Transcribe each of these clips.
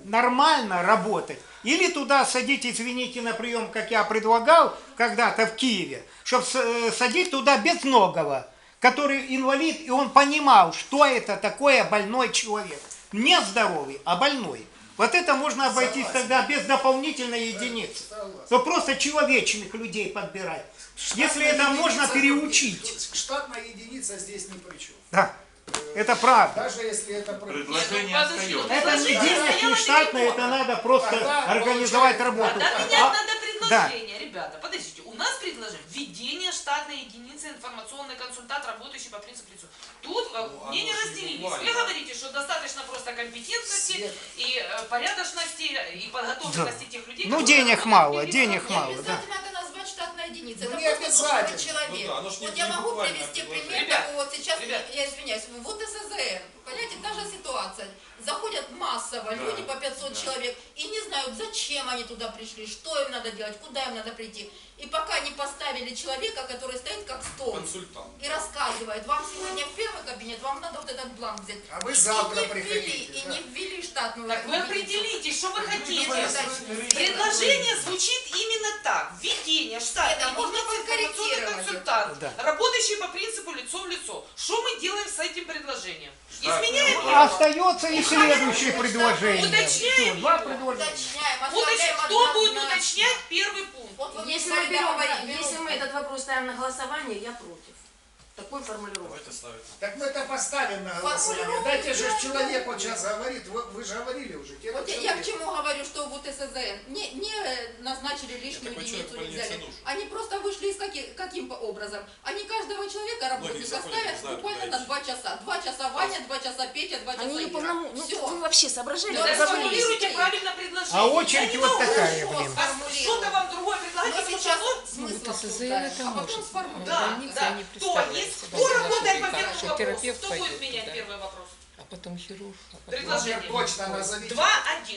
нормально работать, или туда садить, извините, на прием, как я предлагал когда-то в Киеве, чтобы садить туда безногого, который инвалид, и он понимал, что это такое больной человек. Не здоровый, а больной. Вот это можно обойтись тогда без дополнительной единицы. То просто человечных людей подбирать. Если это можно переучить. Штатная единица здесь ни при чем. Да, это правда. Даже если это Предложение остается. Это не денег, не штатное, это надо просто организовать работу. Тогда менять надо предложение, ребята. Подождите, у нас предложение введение штатной единицы информационный консультант, работающий по принципу лицу. Тут мнения разделились. Вы говорите, что достаточно просто компетентности и порядочности и подготовленности тех людей. Ну денег мало, денег мало. Обязательно надо назвать штатная единица. Ну, Это не просто должен быть обязательно. человек. Ну да, Вот я могу привести пример, Ребят, как вот сейчас, ребят. я извиняюсь, вот СЗН, понимаете, та же ситуация. Заходят массово люди по 500 человек и не знают, зачем они туда пришли, что им надо делать, куда им надо прийти. И пока не поставили человека, который стоит как стол и рассказывает, вам сегодня в первый кабинет, вам надо вот этот бланк взять. А вы завтра И не ввели, приходите. и не ввели штатную Так вы единицу. определитесь, что вы хотите. Задачи. Предложение звучит именно так. Введение штатной Это можно единицы информационный подкорректировать. консультант, Да. работающий по принципу лицо в лицо. Что мы делаем с этим предложением? Изменяем А его? остается и следующее предложение. Уточняем Всё, два его. предложения. Уточняем, Уточняем. оставляем Кто будет однозначно. уточнять первый пункт? Вот вы Если мне мы, берем, говорите, если мы этот вопрос ставим на голосование, я против такой формулировки. Так мы это поставим на голосование. Дайте же человек вот сейчас говорит, вы же говорили уже. Вот я к чему говорю, что вот СЗН не назначили лишнюю единицу, не взяли. Они просто вышли из каким образом? Они каждого человека, работника, ставят буквально на 2 часа. 2 часа Ваня, 2 часа Петя, 2 часа Они не Ира. полному... Ну, Всё. вы вообще соображали? Да, как Сформулируйте провалились? правильно предложение. А очередь Я не вот могу такая, блин. Что-то вам другое предлагать, Но потому сейчас что смысл Вот СЗН обсуждаем, это а потом может. сформулируем. да, больнице да. они Кто представляют есть? себе, Кто да, работает по что первому вопросу? терапевт Кто будет пойдет менять туда. первый вопрос? А потом хирург. А потом... Предложение. Точно назовите. 2.1.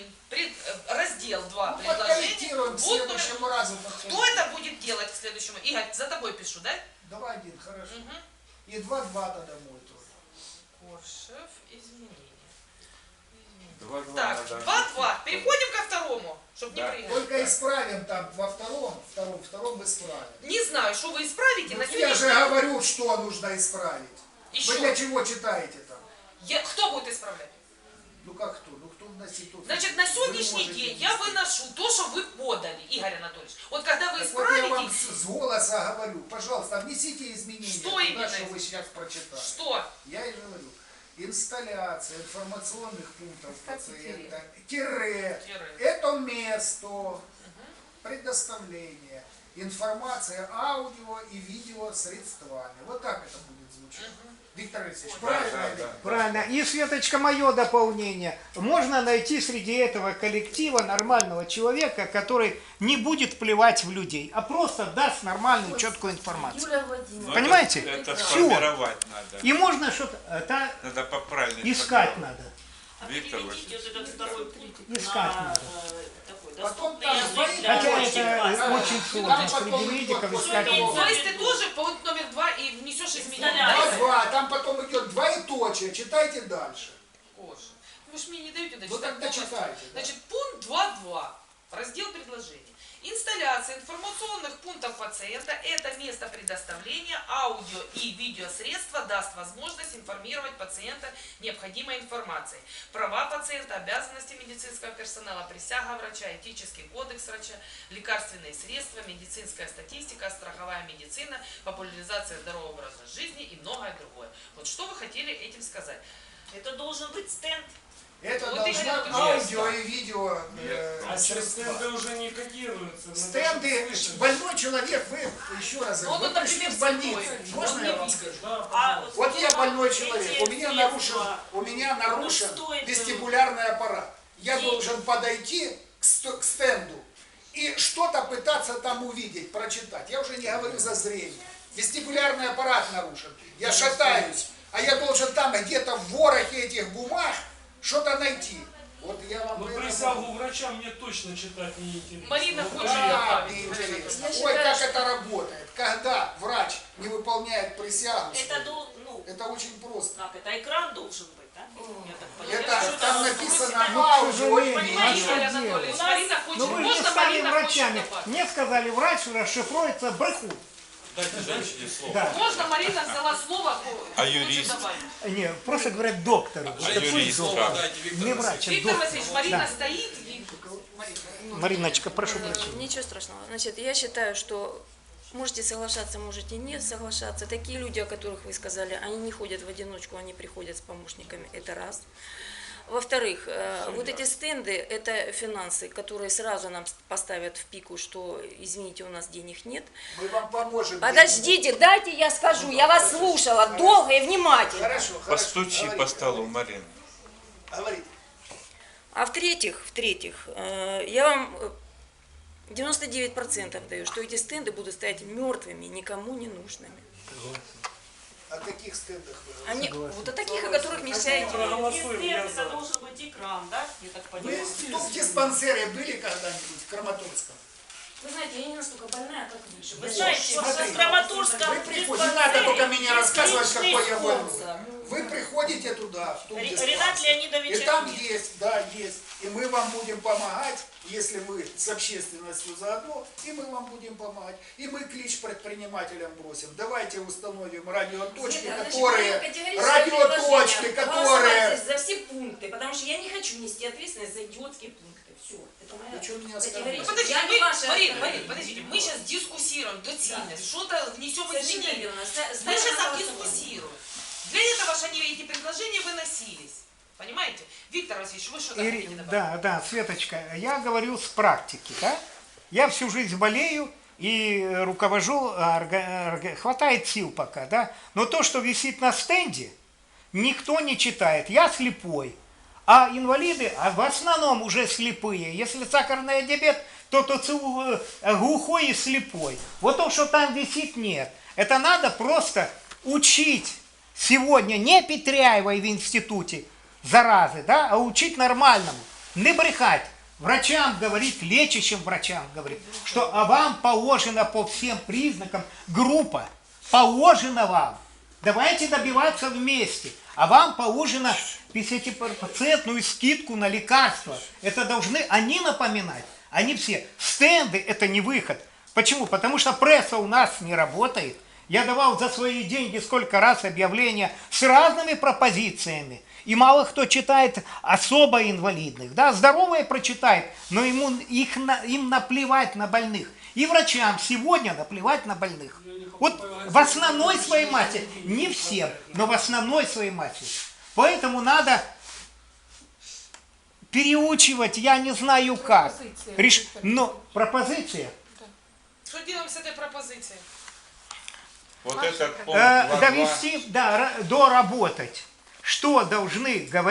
Раздел 2 Ну, предложения. подкорректируем к Пункт номер- следующему разу. Кто это будет делать к следующему? Игорь, за тобой пишу, да? 2-1, хорошо. Угу. И 2-2 тогда мой тоже. Коршев, изменения. 2-2 Так, надо. 2-2. Переходим ко второму, чтобы не Да. прыгать. Только исправим там во втором исправим. Не знаю, что вы исправите на Ну, я сегодняшний же говорю, что нужно исправить. Еще. Вы для чего читаете там? Кто будет исправлять? Ну как кто? Ну кто вносит тут? Значит, на Вы сегодняшний можете день я внести. выношу то, что вы подали, Игорь Анатольевич. Вот когда вы Так вот я вам исправите, с голоса говорю, пожалуйста, внесите изменения Что туда, именно? что вы сейчас прочитали. что? Я и говорю. Инсталляция информационных пунктов пациента, тире, это место предоставления информации аудио и видео средствами. Вот так это будет звучать. Виктор Алексеевич, правильно ли? Правильно. И, Светочка, мое дополнение. Можно найти среди этого коллектива нормального человека, который не будет плевать в людей, а просто даст нормальную, четкую информацию. Юлия Владимировна. Но Понимаете? Это Всё. сформировать надо. И можно что-то Надо поправить. искать надо. Виктор Переведите Васильевич. вот этот второй пункт Искать на надо. такой Потом доступный там язык свои для Хотя очень это классно. очень Там сложно потом среди медиков идет искать. после То есть ты тоже пункт номер 2 и внесешь изменения. Два, там потом идет двоеточие, читайте дальше. Боже, вы же мне не даете Ну дочитать тогда полностью. читайте. Да. Значит, пункт 2.2. Раздел предложений. Инсталляция информационных пунктов пациента – это место предоставления аудио и видеосредства даст возможность информировать пациента необходимой информацией. Права пациента, обязанности медицинского персонала, присяга врача, этический кодекс врача, лекарственные средства, медицинская статистика, страховая медицина, популяризация здорового образа жизни и многое другое. Вот что вы хотели этим сказать? Это должен быть стенд. Это Вот должно именно аудио и видео А средства. стенды уже не кодируются. Стенды, больной человек, вы еще раз Ну, говорю, вот, вы пришли например, в больницу. слепой. Можно Он я не вам видит. скажу? Да, А Вот я больной эти человек, у меня средства, нарушен стоит, вестибулярный аппарат. Я денег. должен подойти к стенду и что-то пытаться там увидеть, прочитать. Я уже не говорю за зрение. Вестибулярный аппарат нарушен. Я шатаюсь, а я должен там где-то в ворохе этих бумаг что-то найти. Вот я вам Но это присягу говорю. врача мне точно читать не интересно. Марина Вот хочет да. Да, добавить. мне интересно. Я Ой, считаю, как что- это работает. Когда врач не выполняет присягу, Это, свою, ну, это очень просто. как это, экран должен быть, да? Это там написано Ну, к аудио и сожалению, видео. Владимир Анатольевич, Марина хочет, Ну вы же можно стали Марина врачами. хочет добавить? Мне сказали, врач расшифруется брехун. Дайте женщине слово. Да. Можно Марина взяла слово? А хочет юрист? добавить? Не, просто говорят доктору. А Это пусть юрист доктор. как? Не врач, а Виктор доктор. Васильевич, Марина Да. стоит и... Мариночка, прошу прощения. Ничего страшного. Значит, я считаю, что можете соглашаться, можете не соглашаться. Такие люди, о которых вы сказали, они не ходят в одиночку, они приходят с помощниками. Это раз. Во-вторых, вот эти стенды – это финансы, которые сразу нам поставят в пику, что, извините, у нас денег нет. Мы вам поможем. Подождите, дайте я скажу, я вас слушала долго и внимательно. Хорошо, хорошо. Постучи Говорите, по столу, Марина. говорите. А в-третьих, я вам 99% даю, что эти стенды будут стоять мертвыми, никому не нужными. О каких стендах вы Они, вот о таких, о которых нельзя идти. Проголосуем, я Это за. должен быть экран, да? Я так Вы понимаю. в диспансере были когда-нибудь в Краматорском? Вы знаете, я не настолько больная, как вы. Вы знаете, Смотри, в Краматорском Вы приходите, не надо только мне рассказывать, какой я больной. Вы приходите туда, в том Ренат диспансер, Леонидович и там Ахмед. есть, да, есть. И мы вам будем помогать, если вы с общественностью заодно, и мы вам будем помогать. И мы клич предпринимателям бросим. Давайте установим радиоточки, которые... за все пункты, потому что я не хочу нести ответственность за идиотские пункты. Все, это моя Вы что меня категория. оскорбляете? Подождите, Я не ваша Марина, оскорбитель. подождите, мы сейчас дискуссируем доцільність, что-то внесем изменения. Мы сейчас Значит, дискуссируем. Для этого же они, эти предложения выносились. Понимаете? Виктор Васильевич, вы что-то хотите добавить? Да, Светочка, я говорю с практики, да? Я всю жизнь болею и руковожу, хватает сил пока, да? Но то, что висит на стенде, никто не читает. Я слепой. А инвалиды в основном уже слепые. Если сахарный диабет, то глухой и слепой. Вот то, что там висит, нет. Это надо просто учить сегодня, не Петряева в институте, заразы, да, а учить нормальному. Не брехать. Врачам говорить, лечащим врачам говорить, что вам положено по всем признакам группа. Положено вам. Давайте добиваться вместе. А вам положено 50% скидку на лекарства. Это должны они напоминать. Они все. Стенды – это не выход. Почему? Потому что пресса у нас не работает. Я давал за свои деньги сколько раз объявления с разными пропозициями. И мало кто читает особо инвалидных. Да, здоровые прочитает, но им наплевать на больных. И врачам сегодня наплевать на больных. Вот в основной своей массе, не всем, но в основной своей массе. Поэтому надо переучивать, я не знаю как. Но пропозиция. Что делаем с этой пропозицией? Вот этот пункт 2.2. Довести, да, доработать. Что должны говорить.